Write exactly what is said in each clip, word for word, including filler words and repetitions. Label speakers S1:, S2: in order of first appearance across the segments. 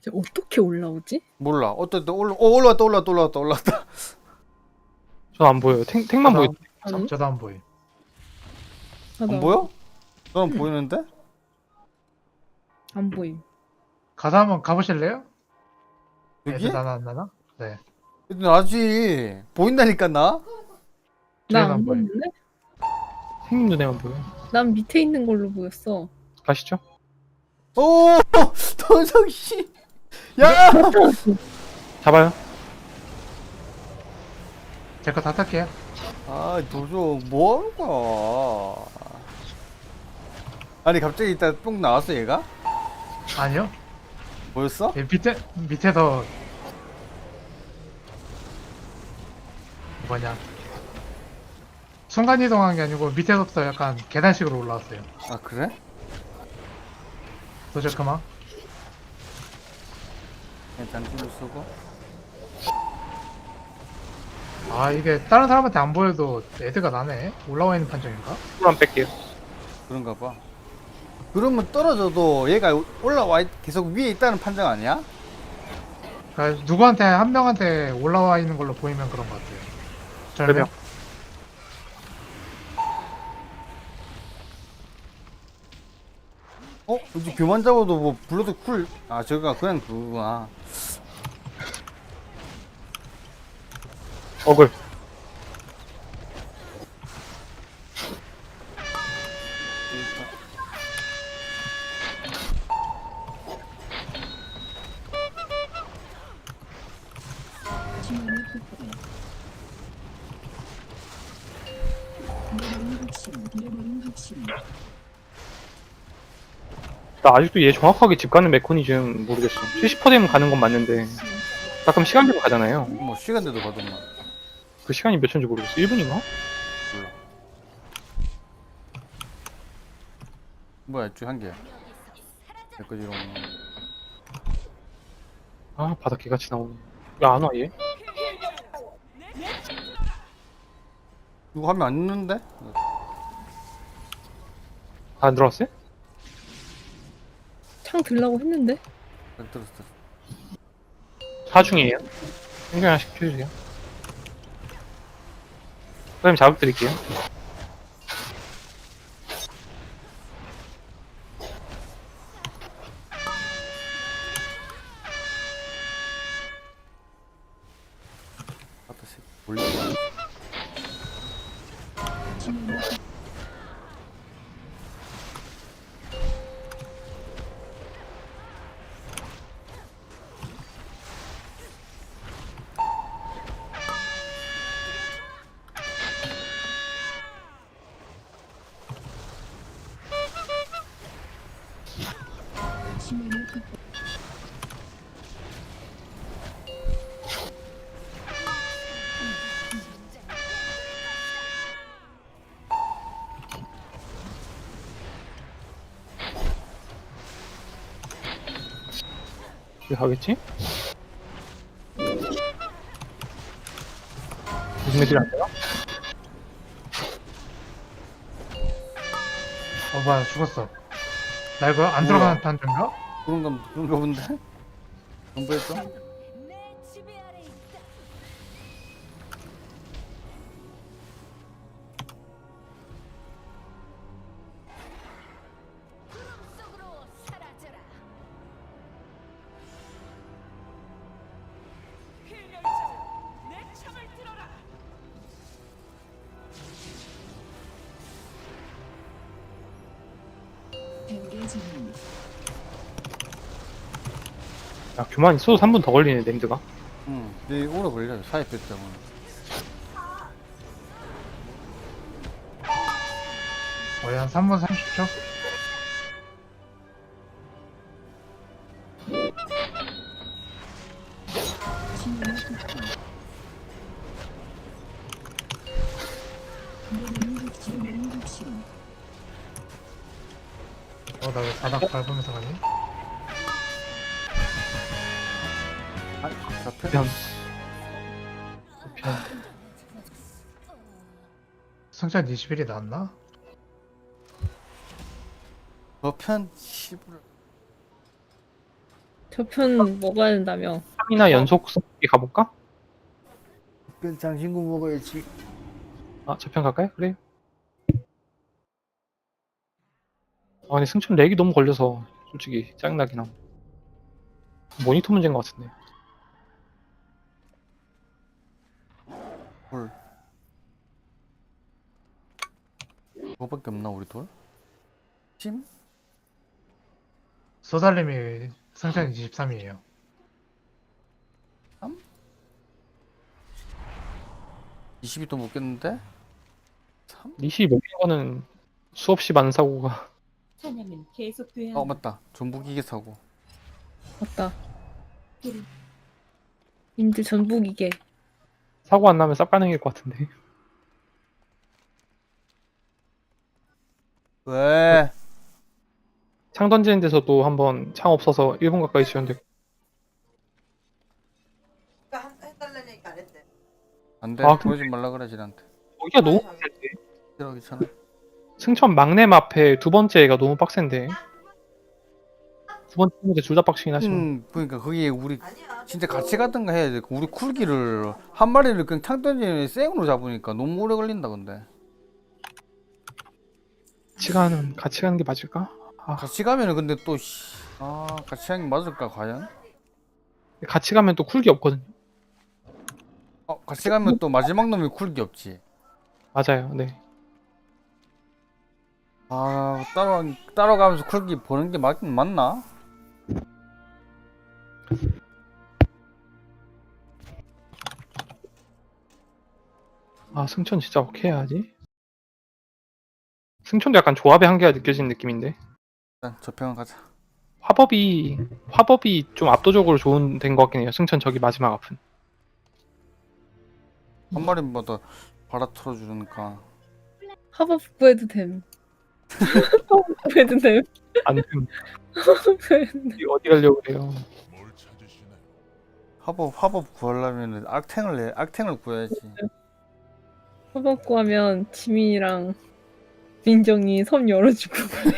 S1: 이제 어떻게 올라오지?
S2: 몰라. 어쨌든 올라, 어, 올라왔다, 올라왔다, 올라왔다, 올라왔다.
S3: 전 안 보여요. 탱, 탱만 보여.
S4: 저도 안,
S1: 아니?
S4: 저도 안 보이.
S1: 나도
S2: 안 보여? 너는
S1: 응.
S2: 보이는데?
S1: 안 보임.
S4: 가서 한번 가보실래요?
S2: 여기?
S4: 애들 나나 안 나나? 네.
S2: 나지. 보인다니까, 나?
S1: 나
S4: 뒤에도
S1: 안
S4: 안 보임.
S1: 보이는데?
S3: 생님 눈에만 보여.
S1: 난 밑에 있는 걸로 보였어.
S3: 가시죠.
S2: 오! 도정씨! 야!
S3: 잡아요.
S4: 제 거 다 탈게요.
S2: 아, 도정, 뭐 하는 거야? 아니, 갑자기 이따 뽕 나왔어, 얘가?
S4: 아니요.
S2: 보였어?
S4: 얘 밑에, 밑에서 뭐냐. 순간이동한 게 아니고 밑에서부터 약간 계단식으로 올라왔어요.
S2: 아, 그래?
S4: 도저 그만.
S2: 그냥 장기로 쓰고.
S4: 아 이게 다른 사람한테 안 보여도 애드가 나네. 올라와 있는 판정인가?
S3: 풀만 뺄게요.
S2: 그런가 봐. 그러면 떨어져도 얘가 올라와, 있- 계속 위에 있다는 판정 아니야?
S4: 그러니까 누구한테 한 명한테 올라와 있는 걸로 보이면 그런 것 같아요. 절명.
S3: 그러면.
S2: 어? 이제 교만 잡아도 뭐 불러도 쿨. 아, 저거가 그냥 그거구나.
S3: 어글. 나 아직도 얘 정확하게 집 가는 메커니즘 모르겠어. 칠십 퍼센트 되면 가는 건 맞는데 가끔 시간 되면 가잖아요.
S2: 뭐 시간대도 가더만.
S3: 그 시간이 몇 초인지 모르겠어. 일 분인가?
S2: 몰라. 뭐야, 쭉 한 개야. 여기까지 이런.
S3: 아 바닥 개같이 나오네. 왜 안 와 얘?
S2: 이거 하면 안 있는데?
S3: 다 안 들어왔어요?
S1: 창 들라고 했는데?
S2: 잘 들었어.
S3: 사중이에요. 생각 하나씩 켜주세요. 그럼 자극 드릴게요.
S2: 아따, 씨. 몰려.
S3: 왜 가겠지? 무슨 애들이 안 되나?
S4: 어 뭐야 죽었어. 나 이거 안
S2: 뭐야?
S4: 들어가는 판정인가?
S2: 그런가, 그런가 본데? 안 보였어?
S5: 내 지배 아래 있다. 구름 속으로 사라져라. 필멸자여, 내 창을 들어라.
S3: 야 교만 있어도 삼 분 더 걸리네 냄드가.
S2: 응. 근데 오래 걸려, 사이프 때문에.
S4: 거의 한 삼 분 삼십 초? 어 나 왜 바닥 밟으면서 가니?
S2: 아, 잡혀?
S3: 그냥 그냥
S4: 승천 이십 일이 나왔나?
S2: 저편, 씨부를.
S1: 저편 먹어야 된다며.
S3: 삼이나 연속 쓰기 가볼까?
S2: 그 장신구 먹어야지.
S3: 아, 저편 갈까요? 그래요. 아, 근데 승천 렉이 너무 걸려서 솔직히 짜증나긴 함. 모니터 문제인 것 같은데.
S2: 헐. 그거밖에 없나 우리 돌? 찜?
S4: 소달님이 승천 이십삼이에요.
S2: 이십이 도 못 깼는데? 삼?
S3: 니시 먹는 거는 수없이 많은 사고가.
S5: 사냥은 계속돼야
S2: 어 맞다. 전부기계 사고.
S1: 맞다. 인제 전북이게.
S3: 사고 안 나면 쌉 가능일 것 같은데.
S2: 왜?
S3: 창 던지는 데서도 한번 창 없어서 일 분 가까이 지연되고.
S6: 그러니까 한- 해달라니까 안 했대.
S2: 안돼.
S3: 아, 근데-
S2: 그러지 말라 그래 지한테.
S3: 여기가 너무 빡센데.
S2: 싫어 귀찮아.
S3: 승천 막내 앞에 두 번째 애가 너무 빡센데. 두 번째 문제 둘 다 빡치긴 하지만.
S2: 음 그러니까 거기에 우리
S6: 아니야.
S2: 진짜 같이 가든가 해야 돼. 우리 쿨기를 한 마리를 그냥 창 던지는 생으로 잡으니까 너무 오래 걸린다 근데.
S3: 같이 가는 같이 가는 게 맞을까? 아,
S2: 같이 가면은 근데 또 씨. 아 같이 가는 게 맞을까 과연?
S3: 같이 가면 또 쿨기 없거든요.
S2: 어 같이 가면 또 마지막 놈이 쿨기 없지.
S3: 맞아요. 네.
S2: 아 따로 따로 가면서 쿨기 보는 게 맞긴 맞나?
S3: 아, 승천 진짜 어떻게 해야지? 승천도 약간 조합의 한계가 느껴지는 느낌인데.
S2: 일단 저평은 가자.
S3: 화법이 화법이 좀 압도적으로 좋은 된 것 같긴 해요. 승천 저기 마지막 앞은.
S2: 한 마리마다 바라 틀어주니까.
S1: 합업 구해도 됨. 합업 구해도 됨.
S3: 안 되면
S1: 합업 구해도 됨.
S3: 어디- 어디 가려고 그래요.
S2: 화법 화법 구하려면은 악탱을 내 악탱을 구해야지.
S1: 합업 구하면 지민이랑 민정이 섬 열어주고.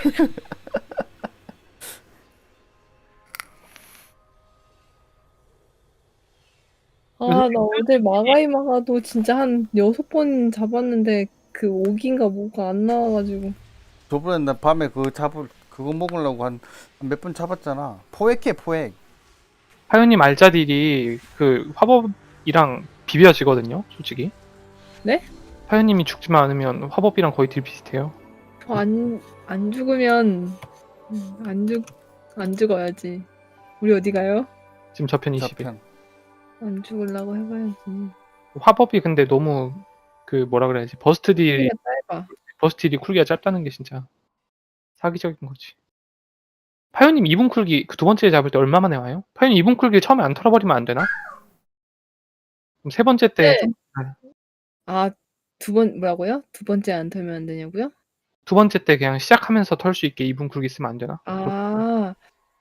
S1: 아, 나 어제 마가이마가도 진짜 한 여섯 번 잡았는데 그 오기인가 뭐가 안 나와가지고.
S2: 저번에 나 밤에 그거 잡을 그거 먹으려고 한 몇 번 잡았잖아. 포획해 포획.
S3: 하연님 알짜딜이 그 화법이랑 비벼지거든요. 솔직히.
S1: 네?
S3: 하연님이 죽지만 않으면 화법이랑 거의 딜 비슷해요.
S1: 저 안, 안 죽으면 음, 안 죽, 안 죽어야지. 우리 어디 가요?
S3: 지금 저편 이십에.
S2: 저편.
S1: 안 죽으려고 해봐야지.
S3: 화법이 근데 너무 그 뭐라 그래야지 버스트 딜
S1: 우리가 짧아.
S3: 버스트 딜이 쿨기가 짧다는 게 진짜 사기적인 거지. 파요님 이 분 쿨기 그 두 번째 잡을 때 얼마 만에 와요? 파요님 이 분 쿨기 처음에 안 털어버리면 안 되나? 그럼 세 번째 때
S1: 네. 아, 두 번, 뭐라고요? 두 번째 안 털면 안 되냐고요?
S3: 두 번째 때 그냥 시작하면서 털 수 있게 이 분 쿨기 쓰면 안 되나?
S1: 아,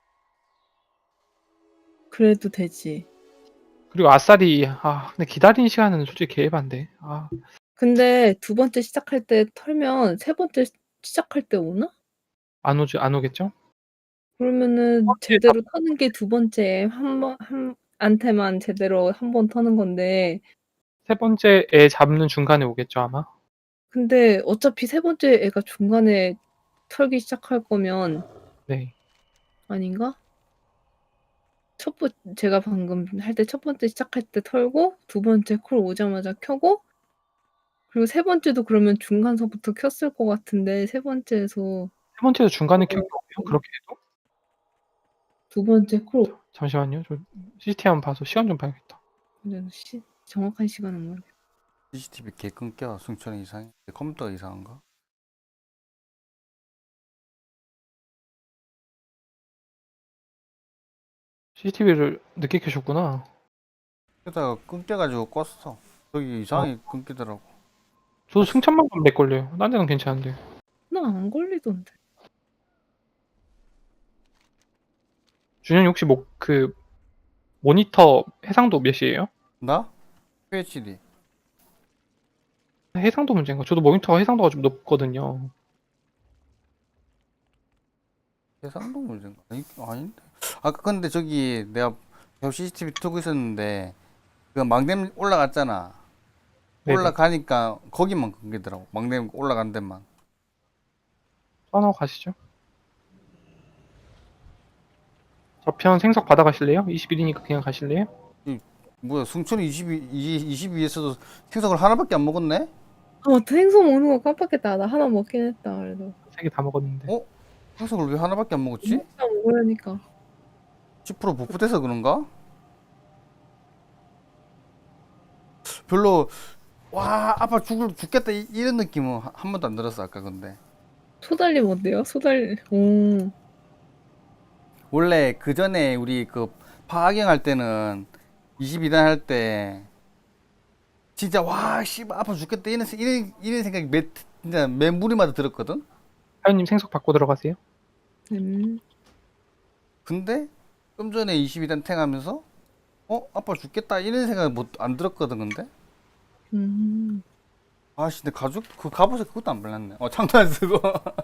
S1: 그래도 되지.
S3: 그리고 아싸리 아 근데 기다리는 시간은 솔직히 개해반데. 아
S1: 근데 두 번째 시작할 때 털면 세 번째 시- 시작할 때 오나?
S3: 안 오죠 안 오겠죠?
S1: 그러면은
S3: 번째
S1: 제대로 터는 게 두 번째 한 번, 한, 한테만 제대로 한 번 터는 건데,
S3: 세 번째 애 잡는 중간에 오겠죠 아마.
S1: 근데 어차피 세 번째 애가 중간에 털기 시작할 거면
S3: 네.
S1: 아닌가? 첫 번, 제가 방금 할 때 첫 번째 시작할 때 털고 두 번째 콜 오자마자 켜고 그리고 세 번째도 그러면 중간서부터 켰을 것 같은데 세 번째에서
S3: 세 번째도 중간에 켜기 오요 그렇게 해도?
S1: 두 번째 콜
S3: 잠시만요. 저 씨씨티비 한번 봐서 시간 좀 봐야겠다.
S1: 근데 시, 정확한 시간은 모르겠어.
S2: 씨씨티비 개 끊겨. 승천이 이상해. 컴퓨터가 이상한가?
S3: 씨씨티비를 늦게 켜셨구나.
S2: 그러다가 끊겨가지고 껐어. 저기 이상하게 끊기더라고.
S3: 저도 승천만 가면 렉 걸려요. 딴 데는 괜찮은데.
S1: 나 안 걸리던데.
S3: 준현이 혹시 뭐 그 모니터 해상도 몇이에요?
S2: 나? 큐에이치디.
S3: 해상도 문제인가? 저도 모니터가 해상도가 좀 높거든요.
S2: 해상도 문제인가? 아니, 아닌데. 아까 근데 저기 내가 계속 씨씨티비 틀고 있었는데 그 망댐 올라갔잖아.
S3: 네네.
S2: 올라가니까 거기만 끊기더라고. 망댐 올라간 데만.
S3: 떠나고 가시죠. 저편 생석 받아가실래요? 이십 일이니까 그냥 가실래요?
S2: 뭐야 승천이 이십이, 이십이에서도 생석을 하나밖에 안 먹었네?
S1: 아 맞다 생선 먹는 거 깜빡했다. 나 하나 먹긴 했다 그래도.
S3: 세 개 다 먹었는데.
S2: 어? 생석을 왜 하나밖에 안 먹었지?
S1: 먹다 먹으려니까.
S2: 십 퍼센트 복붙해서 그런가? 별로 와 아빠 죽을 죽겠다 이- 이런 느낌은 한- 한 번도 안 들었어 아까 근데
S1: 소달림 어때요? 소달. 오.
S2: 원래 그 전에 우리 그 파악영 할 때는 이십이 단 할 때 진짜 와 씨발 아파 죽겠다 이런 세- 이런 이런 생각이 매 진짜 매 무리마다 들었거든.
S3: 파요님 생석 받고 들어가세요.
S1: 음.
S2: 근데 좀 전에 이십이 단 탱하면서 어 아빠 죽겠다 이런 생각 못안 들었거든 근데.
S1: 음.
S2: 아씨 내 가죽 그 갑옷에 그것도 안 발랐네. 어 창도 안 쓰고.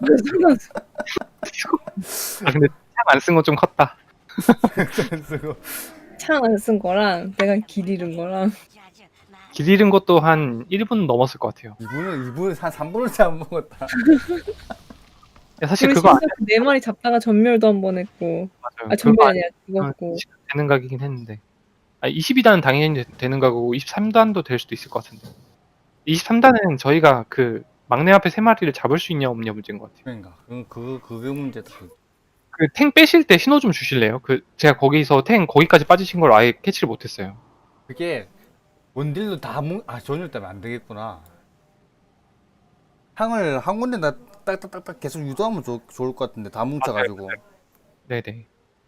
S3: 아 근데 참 안 쓴 건 좀 컸다.
S2: 안 쓰고.
S1: 창 안 쓴 거랑 내가 길 잃은 거랑.
S3: 길 잃은 것도 한 일 분 넘었을 것 같아요.
S2: 이분은 이분은 한 삼 분을 안 먹었다.
S3: 야, 사실
S1: 그리고
S3: 그거 안
S1: 심지어 그네 마리 잡다가 전멸도 한 번 했고.
S3: 맞아요.
S1: 아 전멸이
S3: 그거
S1: 아니라 죽었고.
S3: 안 되는 각이긴 했는데. 아, 이십이 단은 당연히 되- 되는 각이고 이십삼 단도 될 수도 있을 것 같은데. 이십삼 단은 저희가 그 막내 앞에 세 마리를 잡을 수 있냐 없냐 문제인 것 같아요.
S2: 그러니까 그 그 그게 문제다.
S3: 그 탱 빼실 때 신호 좀 주실래요? 그 제가 거기서 탱 거기까지 빠지신 걸 아예 캐치를 못했어요.
S2: 그게 원딜로 다 뭉, 아 전율 때문에 안 되겠구나. 향을 한 군데 다 딱딱딱딱 계속 유도하면 좋, 좋을 것 같은데 다 뭉쳐가지고.
S3: 네네.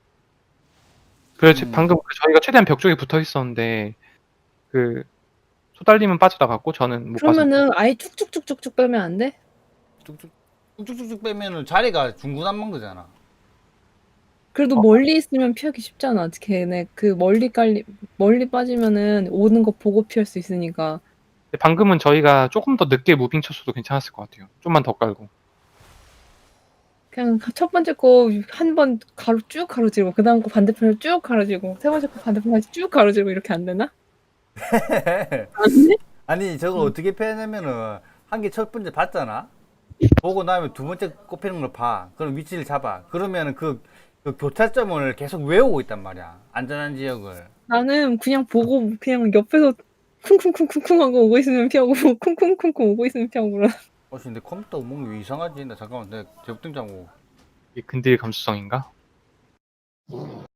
S3: 그래서
S2: 음.
S3: 방금 그 저희가 최대한 벽 쪽에 붙어 있었는데 그 소달님은 빠져나갔고 저는 못 빠져.
S1: 그러면은 아예 쭉쭉쭉쭉쭉 빼면 안 돼?
S2: 쭉쭉 쭉쭉쭉 빼면은 자리가 중구난방되잖아.
S1: 그래도
S3: 어.
S1: 멀리 있으면 피하기 쉽잖아. 걔네 그 멀리 깔리 멀리 빠지면은 오는 거 보고 피할 수 있으니까.
S3: 방금은 저희가 조금 더 늦게 무빙 쳤어도 괜찮았을 것 같아요. 좀만 더 깔고.
S1: 그냥 첫 번째 거 한 번 가로 쭉 가로지르고 그 다음 거 반대편으로 쭉 가로지르고 세 번째 거 반대편까지 쭉 가로지르고 이렇게 안 되나? 안 돼?
S2: 아니 저걸 어떻게 패냐면은 한 개 첫 번째 봤잖아. 보고 나면 두 번째 꼽히는 걸 봐. 그럼 위치를 잡아. 그러면은 그, 그 교차점을 계속 외우고 있단 말이야. 안전한 지역을.
S1: 나는 그냥 보고 그냥 옆에서 쿵쿵쿵쿵쿵 하고 오고 있으면 피하고 쿵쿵쿵쿵 오고 있으면 피하고 그러.
S2: 어, 씨, 근데 컴퓨터 뭔가 왜 이상하지? 나 잠깐만, 내가 재부팅 잠고.
S3: 이게 근딜 감수성인가?